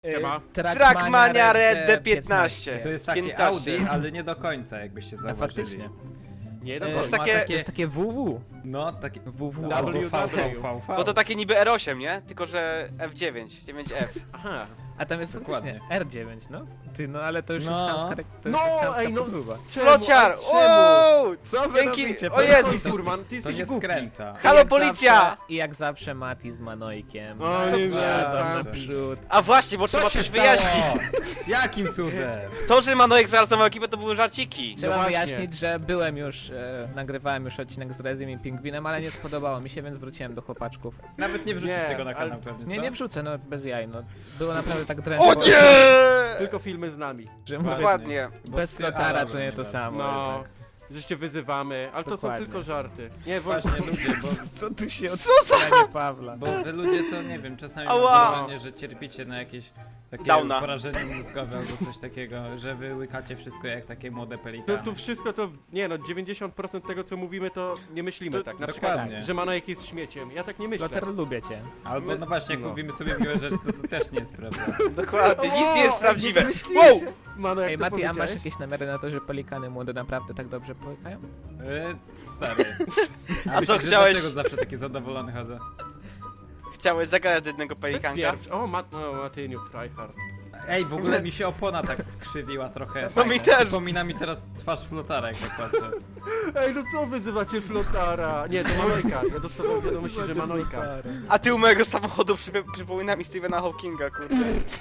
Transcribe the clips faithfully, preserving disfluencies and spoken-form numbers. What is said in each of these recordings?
Siema. Trackmania Red D piętnaście. To jest takie piętnaście. Audi, ale nie do końca, jakbyście No, zauważyli. faktycznie. Nie, To no jest bo takie- ma to jest takie W W. No, takie W W. no, albo W V W. V V V. Bo to takie niby R osiem, nie? Tylko że F dziewięć, dziewięć F. Aha. A tam jest Dokładnie. faktycznie R dziewięć, no. Ty, no ale to już No. jest chamska, to już No, jest chamska ej, no podróba. Flociar! czemu? Wow! Co wy Dzięki- robicie? o Po Jezu! prostu- Furman, ty To jesteś nie głupi. skręca. Halo, jak policja! Zawsze, I jak zawsze Mati z Manojkiem. O, Jadą nie, nie, naprzód. A właśnie, bo trzeba Co się coś wyjaśnić. stało? Jakim cudem? To, że Manojek zaaranżował ekipę, to były żarciki. Trzeba właśnie. wyjaśnić, że byłem już, e, nagrywałem już odcinek z Rezim i Pingwinem, ale nie spodobało mi się, więc wróciłem do chłopaczków. Nawet nie wrzucisz Nie, tego na ale- kanał pewnie, Nie, co? nie wrzucę, no bez jaj, no. Było naprawdę tak drętwo. O nie! Tylko filmy z nami. Że mówię, Dokładnie. Bo bez z flotara Alarmem to nie to da. samo. No, jednak. że się wyzywamy, ale to są Dokładnie. tylko żarty. Nie, Właśnie ludzie, bo, Co tu się od Co za... Pawla? bo wy ludzie to nie wiem, czasami mam Ała. wrażenie, że cierpicie na jakieś takie Downa. porażenie mózgowe albo coś takiego, że wy łykacie wszystko jak takie młode Tu, pelikany. tu wszystko to, nie no, dziewięćdziesiąt procent tego co mówimy to nie myślimy To- tak. Na dokładnie. przykład, że Manojek jest śmieciem. Ja tak nie myślę. Flotar, lubię cię. Albo no właśnie, jak No. mówimy sobie miłe rzeczy, to to też nie jest prawda. Dokładnie, nic nie jest prawdziwe. Wow! Wow! Mano, jak Ej to Mati, a masz powiedziałeś? jakieś namiary na to, że pelikany młode naprawdę tak dobrze połykają? Yy, stary. A co myślisz, że chciałeś? Dlaczego zawsze taki zadowolony chodzę? Chciałeś zagadać do jednego To jest pelikanka? pierwszy. O, Mat no, Matyniu, tryhard. Ej, w ogóle mi się opona tak skrzywiła trochę. No mi też. Przypomina mi teraz twarz flotara, jak tak patrzę. Ej, no co wyzywacie Flotara? Nie, to Manojka. Ja dostałem wiadomości, że Manojka. A ty u mojego samochodu przyp przypomina mi Stephena Hawkinga, kurde.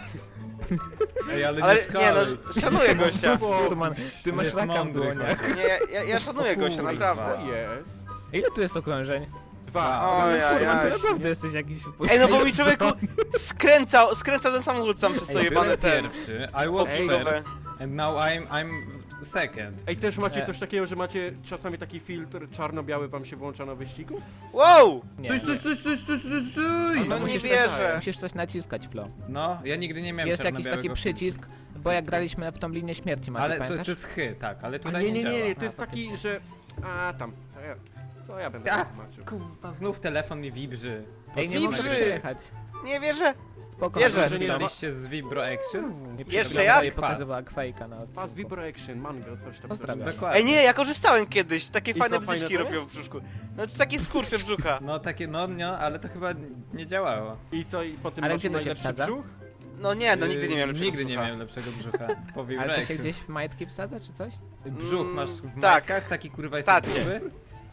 Ej, ale, Ale nie nie szkaluj. no, szanuję gościa. Furman, ty masz Jest raka w mądry, dłoniach. chociaż. Nie, ja, ja, ja szanuję gościa, kurwa. naprawdę. To jest. Ile tu jest okrążeń? Dwa. O, Ale ja, Furman, ty ja. naprawdę jesteś jakiś... Ej, no bo mi człowieku skręcał, skręcał ten samochód sam przez to Ej, jebane byłem ten. pierwszy, I was Ej, first, and now I'm, I'm second. Ej, też macie Nie. coś takiego, że macie czasami taki filtr czarno-biały wam się włącza na wyścigu? Wow! Nie, Stój, stój, stój, stój, stój, stój, stój! No nie musisz wierzę. musisz coś naciskać, Flo. No, ja nigdy nie miałem Jest jakiś taki czarno-białego przycisk, bo jak graliśmy w tą linię śmierci, Mati, Ale to, pamiętasz? to jest chy, tak, ale A tutaj nie, nie, nie, nie, działa. to jest A, taki, że... A, tam, co ja... Co ja będę A, tłumaczył? Kurwa, znów telefon mi wibrzy. Ej, nie Wibrzy. mogę przyjechać. Nie wierzę. Spoko, Wierzę. Mati, że nie nie Korzystaliście z Vibro Action? Jeszcze jak? I pokazywała Quake'a na odcinku. Pas Vibro Action, mango, coś tam. Pozdrawiam. coś. Dokładnie. Ej, nie, ja korzystałem kiedyś, takie I fajne co, fajne bzyczki to robią w brzuszku. No to takie skurcze brzucha. No takie, no, no, ale to chyba nie działało. I co, i potem Ale masz gdzie to się najlepszy wsadza? brzuch? No nie, no nigdy nie miałem Yy, lepszego Nigdy nie brzucha. miałem lepszego brzucha. Po Vibro Ale to się Action. gdzieś w majtki wsadza, czy coś? Brzuch Mm, masz w tak. majtkach, taki kurwa jest Tacie. gruby?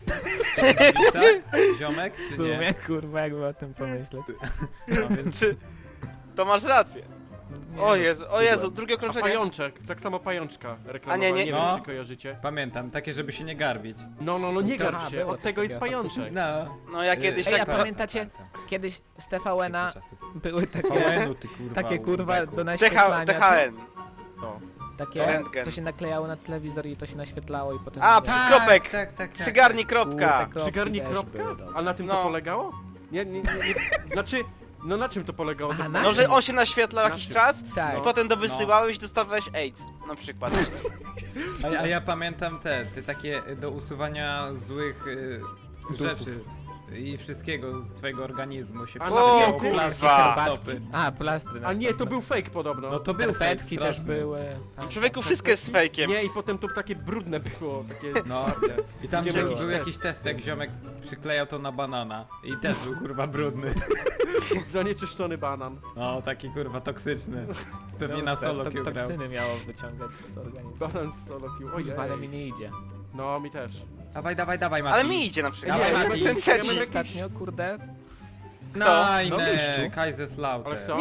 Tablica? Ziomek, W czy nie? sumie, kurwa, jakby o tym pomyśleć. No, więc Ty- To masz rację. Nie, O no, Jezu, o Jezu, drugie A okrążenie. pajączek, tak samo pajączka reklamowała, A nie, nie- nie wiem No. czy kojarzycie. pamiętam, takie żeby się nie garbić. No, no, no, nie To- garb a, się, było od coś tego jest takiego, pajączek. No. No ja kiedyś Ej, a tak... za- pamiętacie, kiedyś z T V N-a były takie, V N-u, ty kurwa. takie kurwa łubeku. do T H naświetlania. T H N. No. Takie, Rentgen. co się naklejało na telewizor i to się naświetlało i potem... A, wiesz, przy- Kropek. Tak, tak, tak. Przygarni kurde, kropka. kropki Przygarni też kropka? były dobre. A na tym No. to polegało? Nie, nie, nie, nie. Znaczy, no na czym to polegało? Aha, To- na No, że on się naświetlał Na jakiś czym? czas Tak. i potem dowysyłałeś i dostawałeś AIDS, na przykład. A, a ja pamiętam te, te takie do usuwania złych y, rzeczy i wszystkiego z twojego organizmu się A, przylepiało o, plastry kurwa. na stopy. A, plastry na A nie, to stopę. był fake podobno. No to był fake Skarpetki też straszny. były. Tak. Człowieku, wszystko jest fejkiem. Nie, i potem to takie brudne było, takie No. czarne. I tam Nie był, było. był jakiś test, jak ziomek przyklejał to na banana i też był kurwa brudny. Zanieczyszczony banan. No, taki kurwa toksyczny. Pewnie No, na to- solo to- grał. Toksyny miało wyciągać z organizmu. Banan z solo pił. Ojej. Kurwa, ale mi nie idzie. No, mi też. Dawaj, dawaj, dawaj, Mati. Ale mi idzie na przykład. Dawaj, Nie, Mati. Ten trzeci. Ja Ostatnio, kurde, Nein, No, wyjściu. Ale Kaiserslautern. kto?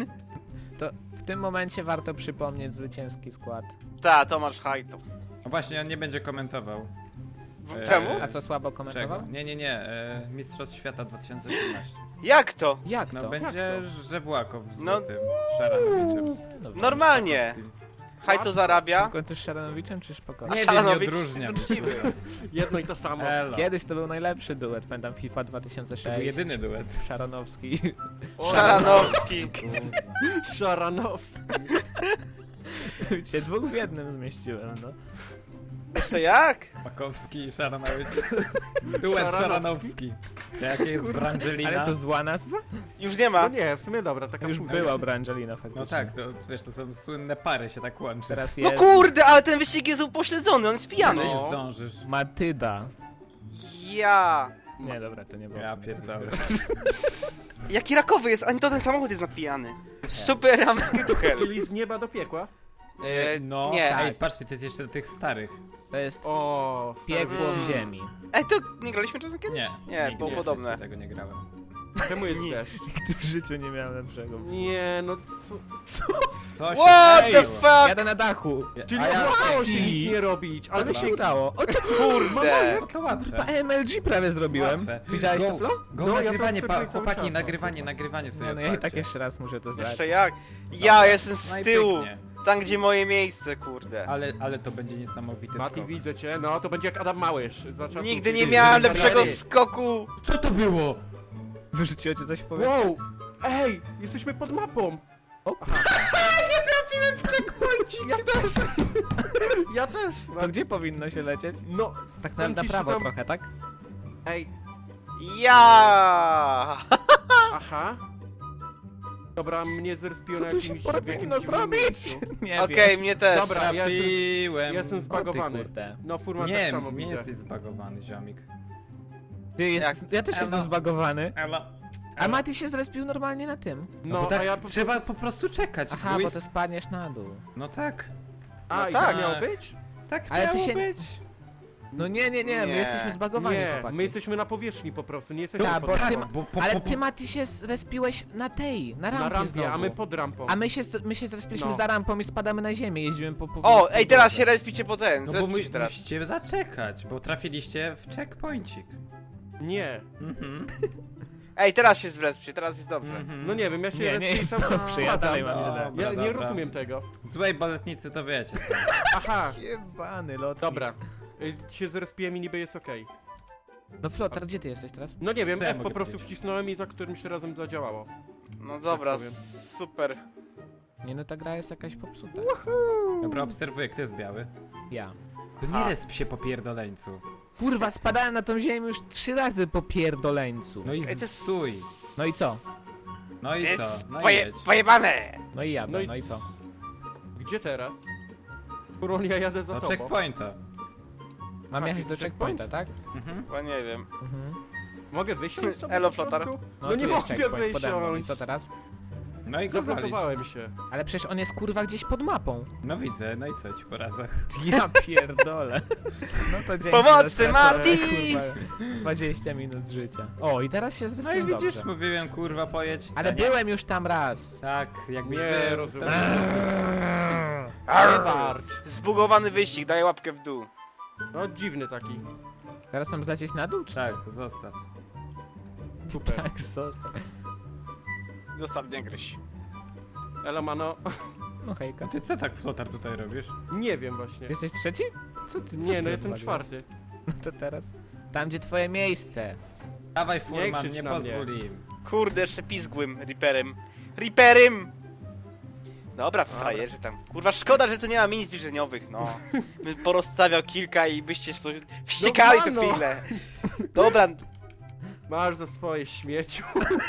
to w tym momencie warto przypomnieć zwycięski skład. Ta, Tomasz Hajto. No właśnie, on nie będzie komentował. W- Czemu? Eee, A co, słabo Czego? komentował? Nie, nie, nie. E, Mistrzostw Świata dwa tysiące osiemnaście. Jak to? Jak No to? będzie Żewłakow z No. tym Szaranowiczem. Dobrze. Normalnie. Hajto zarabia. W końcu z Szaranowiczem czy Szpoko? A Nie wiem, nie Szaranowicz odróżniam. jest uczciwy. Jedno i to samo. Elo. Kiedyś to był najlepszy duet, pamiętam FIFA dwa tysiące sześć. To był jedyny duet. Szaranowski. Szaranowski. Szaranowski. Cię dwóch w jednym zmieściłem, no. Jeszcze jak? Makowski i Szaranowicz. Duet Szaranowski. Szaranowski. Jakie jest Brangelina? Ale co, zła nazwa? Już nie No ma. nie, w sumie dobra, taka Już późna. była Brangelina faktycznie. No tak, to wiesz, to są słynne pary, się tak łączy. Teraz No jest kurde, ale ten wyścig jest upośledzony, on jest Ale pijany. nie No. zdążysz. Matyda. Ja. Nie, dobra, to nie było. Ja w sumie. pierdolę. Jaki rakowy jest, ani to ten samochód jest napijany. Super ramski duchel. Czyli z nieba do piekła? E, No, nie. ej, patrzcie, to jest jeszcze do tych starych. To jest O, piekło Mm. w ziemi. Ej, to nie graliśmy czasem kiedyś? Nie, Nie, nigdy było w podobne. życiu tego nie grałem. czemu jest deszcz? Nigdy w życiu nie miałem lepszego. Nie, no co? To się What the kleiło. fuck? Jadę na dachu. Czyli A ja- udało się Ej, nic nie robić, ale Ale to mi się... się udało. O, to Kurde. No to łatwe. kurwa, M L G prawie zrobiłem. Łatwe. Widziałeś Go- to, Flo? Go No, ja to nagrywanie, obserwuję pa, cały chłopaki, czas. nagrywanie, nagrywanie sobie Nie, no ja i tak odpalcie. jeszcze raz muszę to zdać. Jeszcze jak? Ja Dobra. jestem No z i tyłu. pięknie. Tam, gdzie moje miejsce, kurde. Ale, ale to będzie niesamowity Mati, skok. widzę cię, no to będzie jak Adam Małysz. Za czasów, Nigdy nie kiedy- miałem kiedy lepszego kariery. skoku. Co to było? Wyrzuciło cię coś w powietrze? Wow! Ej, jesteśmy pod mapą! O kurwa. Ja też! Ja też! To gdzie powinno się lecieć? No, Tak na, Tam na gdzieś prawo tam- trochę, tak? ej, Ja. aha. Dobra, mnie zrespiło Co na tu się jakimś, w powinno jakimś dziwnym zrobić? miejscu. Nie Okej, wiem. mnie też. Dobra, ja jestem, Trafiłem. ja jestem O ty zbagowany. kurde. No, Furman tak Nie, samo nie widzę. jesteś zbagowany, ziomik. Ty, jest, Jak? ja też Elo. jestem zbagowany. Ela. A Mati się zrespił normalnie na tym. No, No, bo tak a ja po trzeba prostu... po prostu czekać. Aha, bo bo jest... to spadniesz na dół. No tak. A, No i tak. tak miało być? Tak Ale ty miało się- być. No nie, nie, nie, my Nie. jesteśmy zbagowani, Nie, chłopaki. my jesteśmy na powierzchni po prostu, nie jesteśmy Tak, pod bo rampą. ty- bo po, Ale po, ty, Mati, się zrespiłeś na tej, na rampie Na rampie, znowu. a my pod rampą. A my się, my się zrespiliśmy No. za rampą i spadamy na ziemię, jeździłem po... po O, po ej, teraz się drodze. respicie po ten. No bo Respicie mu, się teraz. musicie zaczekać, bo trafiliście w checkpointik. Nie. Mhm. Ej, teraz się zrespcie, teraz jest dobrze. Mhm. No nie wiem, ja się Nie, nie respię jest cały czas dobrze, ja spadam. dalej mam źle. Dobra, Ja nie dobra. rozumiem tego. Złej baletnicy to wiecie. co. Aha, Jebany lotnik. dobra. Y, Się zrespiłem i niby jest okej. No Flotar, gdzie ty jesteś teraz? No nie wiem, To ja F po mogę prostu powiedzieć. wcisnąłem i za którymś razem zadziałało. No dobra, powiem. super. Nie no, ta gra jest jakaś popsuta. Dobra, obserwuję, kto jest biały. Ja. To nie A. resp się po pierdoleńcu. Kurwa, spadałem na tą ziemię już trzy razy po pierdoleńcu. No i Ej, to jest- stój. No i co? No i To co? jest No i poje, jedź. pojebane. No i jadę, No no i, i co? Gdzie teraz? Kurwa, ja jadę za No tobą. checkpointa. Mam A, jechać jest do checkpoint? checkpointa, tak? Mhm. Bo nie wiem. Mhm. Mogę wysiąść sobie Elo, po Flotar. prostu? No, No tu nie jest mogę checkpoint pode mną. I wysiąść. co teraz? No i go walić. Zablokowałem się. Ale przecież on jest kurwa gdzieś pod mapą. No widzę, no i co ci poradzę? Ja pierdolę. No to dzięki. Pomocy, za stracone, Mati! kurwa, dwadzieścia minut życia. O, i teraz się No i zrespiłem widzisz, dobrze. mówiłem kurwa pojedź. Ale A nie. byłem już tam raz. Tak, jakbyś Nie, był, rozumiem. to- Nie warcz. Zbugowany wyścig, daj łapkę w dół. No dziwny taki. Teraz mam zlecieć na dół, czy Tak, zostaw. co? Super. Tak, zostaw. Zostaw, nie gryź. Elo, mano. No hejka. A ty co tak flotar tutaj robisz? Nie wiem właśnie. Jesteś trzeci? Co ty, co Nie, ty no jestem odwaliłeś? czwarty. No to teraz. Tam, gdzie twoje miejsce. Dawaj Furman, krzycz nie na mnie. pozwól im. Kurde, jeszcze pizgłym Reaperem. Reaperem! Dobra, frajerzy tam. Kurwa, szkoda, że tu nie ma mini zbliżeniowych, no. Bym porozstawiał kilka i byście coś wściekali No, co mano. chwilę. Dobra, Masz za swoje śmieciu.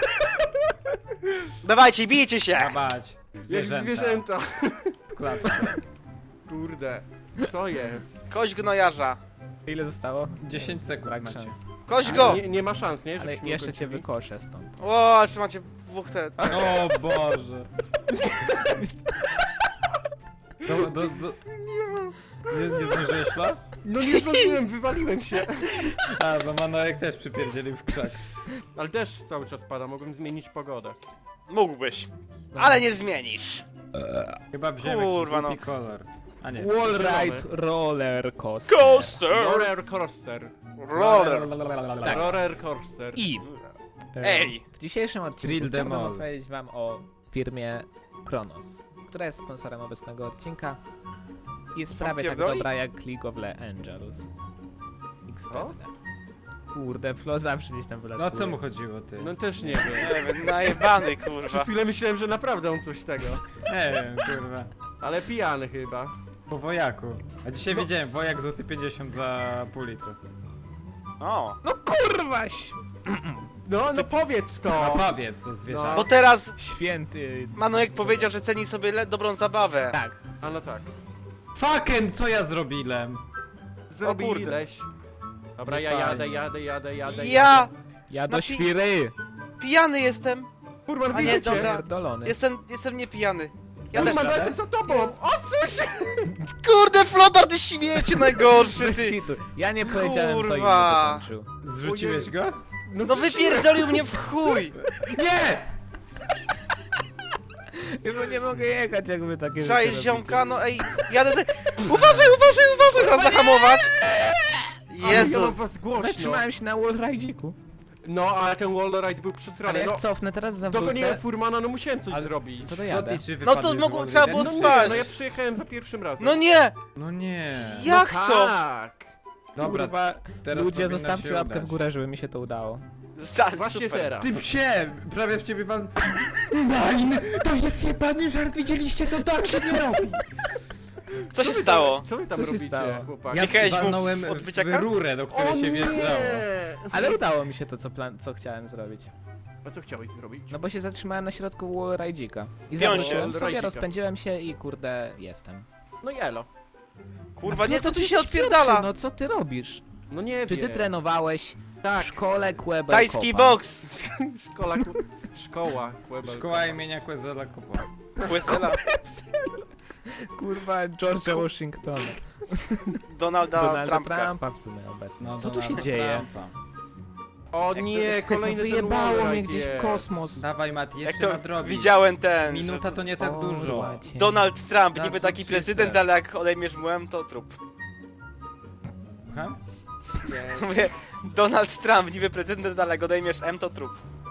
dawajcie, bijcie się! Zabać. Jak Zwierzęta. zwierzęta. W klatce. Kurde. Co jest? Kość gnojarza. Ile zostało? dziesięć sekund Brak macie. szans. Kość go! Nie, nie ma szans, nie? Ale Żebyśmy jeszcze cię ukończyli. wykoszę stąd. O, czy macie dwóch te... O Boże. Do, do, do... Nie, nie zdążyłeś Fla? No nie zdążyłem, wywaliłem się. A, no Manojek też przypierdzielił w krzak. Ale deszcz cały czas pada, mogłem zmienić pogodę. Mógłbyś. Ale nie zmienisz. Chyba wziąłem Kurwa, jakiś no. głupi kolor. A nie. Wallride roller coaster. Coaster! Roller coaster. Roller! Tak. Roller coaster. I e, Ej! w dzisiejszym Grill odcinku them chciałbym all. opowiedzieć wam o firmie Kronos, która jest sponsorem obecnego odcinka i jest Są prawie tak pierdoli? dobra jak League of Legends. O? Xtended. Kurde, Flo zawsze gdzieś tam wylatuje. No o co mu chodziło ty? No też nie wiem. Nie wiem, najebany, Przez kurwa. chwilę myślałem, że naprawdę on coś tego. Nie wiem, kurwa. Ale pijany chyba. Po wojaku. A dzisiaj No. widziałem wojak złoty pięćdziesiąt za pół litru. O, No kurwaś! No, no powiedz No to! powiedz, to zwierzę. No. Bo teraz Święty... Manojek powiedział, że ceni sobie le- dobrą zabawę. Tak. A no tak. Fucking, co ja zrobiłem? Zrobiłeś. Dobra, Nie ja fajnie. jadę, jadę, jadę, jadę. Ja Ja do Napi- świry! pijany jestem. Furman, A nie, widzę cię! dobra. Pierdolony. Jestem, jestem nie pijany. Ja też Furman, radę? jestem za tobą! O co się? Kurde, Flotar, ty śmieciu najgorszy, Bez ty! kitu. Ja nie powiedziałem, to inny Kurwa. dokończył. Zrzuciłeś go? No zrzuciłem. wypierdolił mnie w chuj! Nie! Już nie mogę jechać, jakby takie rzeczy Czaisz robicie. ziomka, no ej, jadę ze... Uważaj, uważaj, uważaj, teraz zahamować! Ale ja mam Jezu! was głośno. Zatrzymałem się na wallride'iku. No, ale ten wallride był Ale przesrany. jak No, cofnę teraz, dogoniłem zawrócę, Furmana, no musiałem coś Ale- zrobić. to dojadę. Floty, czy No to wypadniesz z mogło- wody? trzeba było No nie, spać. no ja przyjechałem za pierwszym razem. No nie! No nie. Jak no to? Tak! Dobra, Kurwa, teraz ludzie, powinno zostawcie się łapkę udać. w górę, żeby mi się to udało. Za, Właśnie super. teraz. Ty psie! Prawie w ciebie wal... Nein! To jest jebany żart, widzieliście? To tak się nie robi! Co się wy tam- stało? Co wy tam Co się robicie, stało? chłopaki? Ja Klikałeś mu w walnąłem odbyciaka? w rurę, do O której się wjeżdżało. nie! Ale udało mi się to, co, plan co chciałem zrobić. A co chciałeś zrobić? No bo się zatrzymałem na środku wallride'ika. I Piąć się. zawróciłem sobie, Wallride'ika. rozpędziłem się i kurde, jestem. No jelo. Kurwa, A nie, co co tu ty się jesteś odpierdala? pierwszy? No co ty robisz? No nie Czy wiem. ty trenowałeś Tak. w szkole Kłebel Tajski Kopa? boks! Szkoła, ku... Szkoła, Kłebel. Szkoła imienia Quezela Kopa. Questela. Kurwa, George'a Washingtona. Donalda Donalda Trumpa. Trumpa w sumie obecnie. No, Co tu się Donalda dzieje? Trumpa. O nie, kolejny ten Wyjebało wallride mnie gdzieś jest. w kosmos. Dawaj Mati, Jak jeszcze to nadrobić. widziałem ten, Minuta że to nie tak dużo. Kurwa cię. Donald Trump, Tak, niby co taki ci prezydent, chce? ale jak odejmiesz młem, to trup. Słucham? Mówię, Donald Trump, niby prezydent, ale jak odejmiesz M, to trup.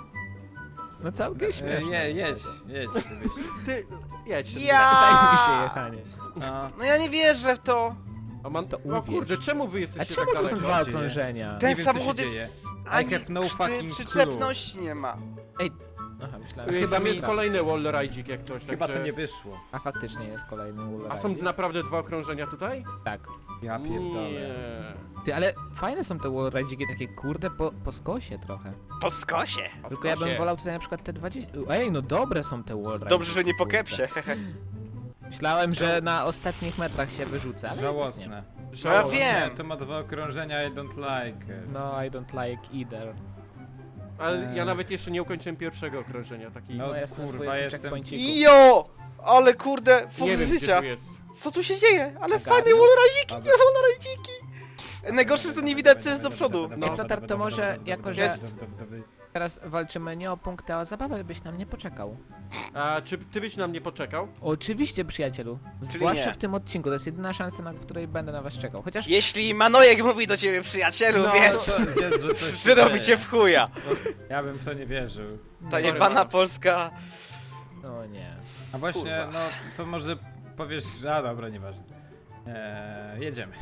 No całkiem E, śmieszne. Je, jedź, jedź. żebyś- Ty, jedź. Ja! Zajmij się jechanie. No. No ja nie wierzę w to. O, man... To o uwierz. kurde, czemu wy A jesteście czemu tak to są daleko? dwa dzieje? okrążenia? Ten wiem, co się samochód dzieje. jest... I Ani have no przy- fucking przyczepności nie ma. Aha, myślałem, Chyba chyba tam mi... jest kolejny wallride'ik jak coś, Chyba także... to nie wyszło. A faktycznie jest kolejny A wallride. są naprawdę dwa okrążenia tutaj? Tak. Ja pierdolę. Nie. Ty, ale fajne są te wallride'iki takie kurde po, po skosie trochę. Po skosie. A Tylko ja bym skosie. wolał tutaj na przykład te dwadzieścia... Ej, no dobre są te wallride'iki. Dobrze, że nie po kurde. kepsie. Myślałem, że na ostatnich metrach się wyrzucę, ale Żałosne. No ja Żałosne. wiem. Nie, to ma dwa okrążenia, I don't like it. No, I don't like either. Ale ja nawet jeszcze nie ukończyłem pierwszego okrążenia, taki... No No, jestem kurwa, kurwa, jestem- checkpointiku. Jo! Ale kurde, nie full wiem, gdzie życia. tu jest. Co tu się dzieje? Ale Aga, fajne nie? wallride'iki, nie wallride'iki. Najgorsze, że to nie widać co jest do przodu. No. Ej, Flotar, to może jako, że- Jest. Teraz walczymy nie o punkty, a o zabawę, byś nam nie poczekał. A czy ty byś na mnie poczekał? Oczywiście, przyjacielu. Zwłaszcza nie. w tym odcinku, to jest jedyna szansa, na w której będę na was czekał. Chociaż Jeśli Manojek mówi do ciebie przyjacielu, No, wiesz, To wiesz, że, coś się że robi cię dzieje. w chuja. Ja bym w to nie wierzył. Ta Sorry, jebana mama. Polska. No nie. A właśnie, Kurwa. no to może powiesz... A dobra, nieważne. Eee, jedziemy.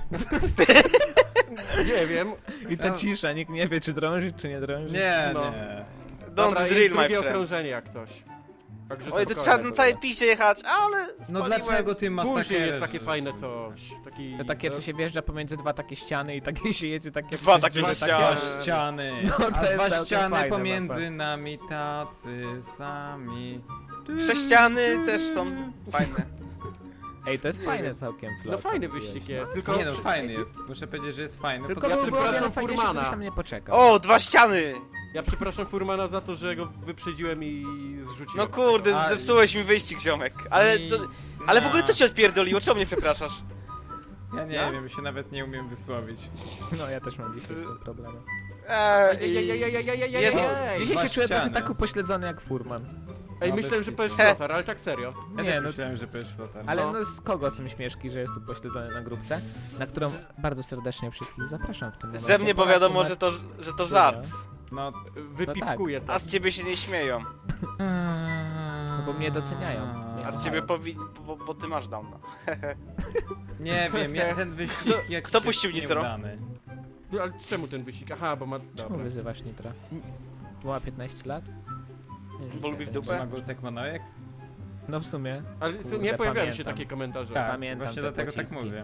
Nie wiem. I ta No. cisza, nikt nie wie, czy drążyć, czy nie drążyć. Nie, No. nie. Don't Dobra, jest drill, my drugie friend. okrążenie jak coś. Także Oj, to spokojnie, trzeba na dobra. całej piście jechać, ale No spaliłem. dlaczego ty Później masakrujesz? jest takie fajne coś. Taki... To takie, co się wjeżdża pomiędzy dwa takie ściany i takie się jedzie, takie... Dwa przez takie dziury, ściany. Dwa ściany. No, to A jest dwa całkiem ściany fajne, pomiędzy nami tacy sami. Sześciany też są fajne. Ej, to jest Nie fajne wiem. całkiem, Flo, No co fajny mówiłeś, wyścig no. jest, tylko... Nie no, fajny jest. Muszę powiedzieć, że jest fajny. Tylko Poza Ja by tym- było przepraszam wiele fajniejsze, Furmana. gdybyś tam nie poczekał. O, dwa ściany! Ja przepraszam Furmana za to, że go wyprzedziłem i zrzuciłem. No kurde, A- zepsułeś mi wyścig, ziomek. Ale, I- to, ale w ogóle co cię odpierdoliło? Czemu mnie przepraszasz? Ja nie Ja? wiem, się nawet nie umiem wysłowić. No, ja też mam dzisiaj z tym problemem. Eee, Jezu. Ej, Dzisiaj dwa się czuję trochę ściany. tak upośledzony jak Furman. Ej, No, myślałem, bez że kitu. powiesz He. flotar, ale tak serio. Ja Nie, też no- myślałem, że powiesz flotar. Ale No. no z kogo są śmieszki, że jest upośledzony na grupce, na którą bardzo serdecznie wszystkich zapraszam w tym momencie. Ze mnie, bo Polaków wiadomo, na- że to, że to żart. No... Wypipkuję to. A z ciebie się nie śmieją. No bo mnie doceniają. A z ciebie powi... bo, bo ty masz downa. Nie wiem, ja ten wyścig Kto- jak kto puścił nitro? nieudany. No, ale czemu ten wyścig? Aha, bo ma... Czemu Dobra. wyzywasz Nitra? Ma piętnaście lat? Nie, Bo lubi w nie, dupę? Czy ma głos jak Manojek? No w sumie. Ale Kurde, nie pojawiają się pamiętam. takie komentarze. Tak, Pamiętam właśnie te dlatego tak pociski. mówię.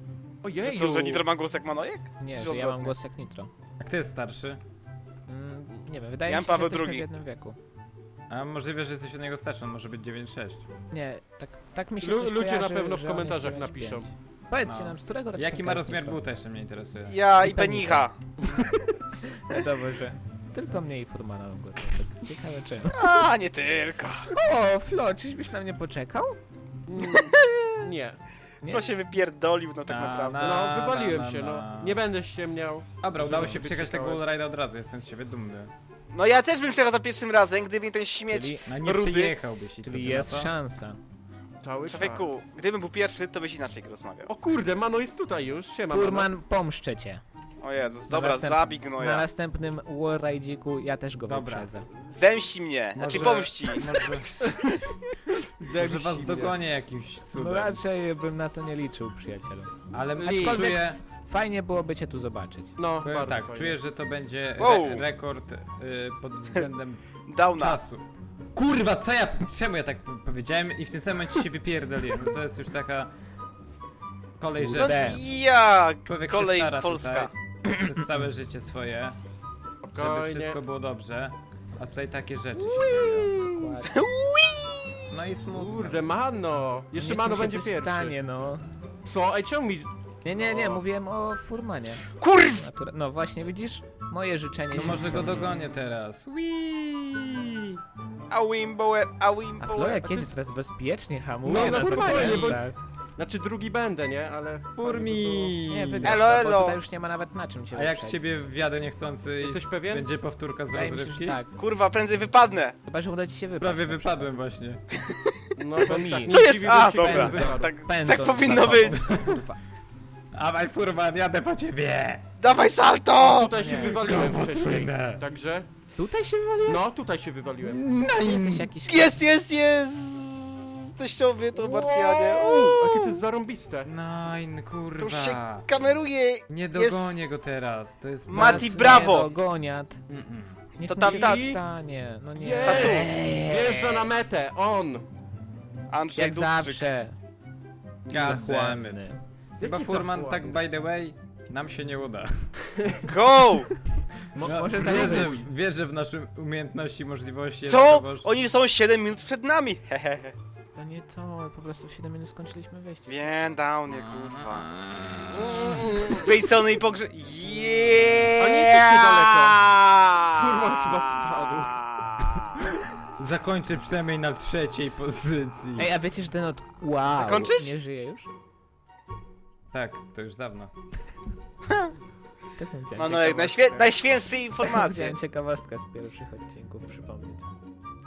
Ojej, Co, że Nitro ma głos jak Manojek? Nie, Czy że ja mam odwrotnie? głos jak Nitro. A kto jest starszy? Mm, Nie wiem, wydaje Jan mi się, że Paweł jesteśmy w drugi. jednym wieku. A możliwe, że jesteś od niego starszy, on może być dziewięć sześć. Nie, tak, tak mi się Lu- coś ludzie na kojarzy, pewno w że on jest komentarzach dziewięć napiszą. pięć. Powiedzcie No. nam, z którego rocznika Jaki ma jest rozmiar Nitro? buta, jeszcze mnie interesuje. Ja I i Benicha. Wiadomo, że tylko mnie i Furmana mogło to tak ciekawe czemu. A, nie tylko. O, Flo, czyżbyś na mnie poczekał? Mm, Nie. Nie. Kto się wypierdolił, no tak Na, naprawdę. na- No, wywaliłem na, się, na. no. Nie będę ściemniał. Dobra, udało się Żeby przejechać tego wyczytałem. wallride'a od razu, jestem z siebie dumny. No ja też bym przejechał za pierwszym razem, gdyby mi ten śmieć... Czyli, No nie Rudy. przejechałbyś i co czyli ty na jest to? szansa. Cały Człowieku, czas. gdybym był pierwszy, to byś inaczej rozmawiał. O kurde, Mano jest tutaj już. Siema, Mano. Furman, pomszczę cię. O Jezus, Na dobra, następ- zabij Na gnoja. następnym wallride'iku ja też go Dobra. wyprzedzę. Zemści mnie, znaczy Może- pomści. Może, może was dogonię jakimś No cudem. raczej bym na to nie liczył, przyjacielu. Ale Lee. czuję, Fajnie byłoby cię tu zobaczyć. No, powiem bardzo tak, fajnie. czuję, że to będzie re Wow. rekord y, pod względem Downa. czasu. Kurwa, co ja, czemu ja tak powiedziałem i w tym samym momencie się wypierdoliłem. To jest już taka kolej, No że D. jak? człowiek Kolej się stara Polska. tutaj przez całe życie swoje, żeby Spokojnie. wszystko było dobrze, a tutaj takie rzeczy się dzieją. Dokładnie. No i smutno. Kurde, Mano. Jeszcze Niech Mano mi się będzie coś pierwszy. Stanie, no. Co? Ej, czemu mi... Nie, nie, nie, O. mówiłem o Furmanie. Kurw! Natura- No właśnie, widzisz? Moje życzenie No się może go spełniło. dogonię teraz. Whee! A Wimbower, a A Flo Wimbower. jak to jedzie jest- teraz bezpiecznie hamuje No, na normalnie, zakrętach. Znaczy drugi będę, nie? Ale... Furmi! Nie, wygrasz Elo, to, elo. bo tutaj już nie ma nawet na czym cię A jak wyprzedzić. ciebie wjadę niechcący i Jesteś pewien? będzie powtórka z Wydaje mi się, że rozrywki? tak. Kurwa, prędzej wypadnę. Chyba, że uda ci się wypaść. Prawie na wypadłem właśnie. No, To mi. tak nie Co jest? dziwi, A, że ci dobra. będę. Tak, Pędzą tak powinno za być. tobą. Dawaj Furman, jadę po ciebie! Dawaj salto! Tutaj się Nie. wywaliłem Go wcześniej. potrójne. Także... Tutaj się wywaliłeś? No, tutaj się wywaliłem. No Jesteś jakiś... Jest, jest, jest! Teściowie to Marsjanie. Uuu, jakie to jest zarąbiste. Nein, To kurwa. już się kameruje. Nie dogonię go teraz, to jest... Mati, Nas nie brawo! dogoniat. Mm-mm. Niech To mu tam się tak. nie stanie. No nie. Jest! Wjeżdża na metę, on! Andrzej Jak Dubczyk. zawsze. God damn it. Zachłanny. Chyba Jaki Furman, zachłanny? tak by the way, nam się nie uda. Go! Mo No, może tak wierzę, być. wierzę w nasze umiejętności, możliwości. Co? jednakowoż- Oni są siedem minut przed nami. Hehehe. To nie to, po prostu w siedem minut skończyliśmy wejście. Wiem, dał mnie, kurwa. Zbejcony i pogrze... Jeee! A nie jesteście daleko. Furman chyba spadł. Zakończę przynajmniej na trzeciej pozycji. Ej, a wiecie, że ten od... Wow, Zakończyć? nie żyje już? Tak, to już dawno. Tak bym chciał No, no, najświe najświęższe informacje. Chciałem ciekawostkę z pierwszych odcinków przypomnieć.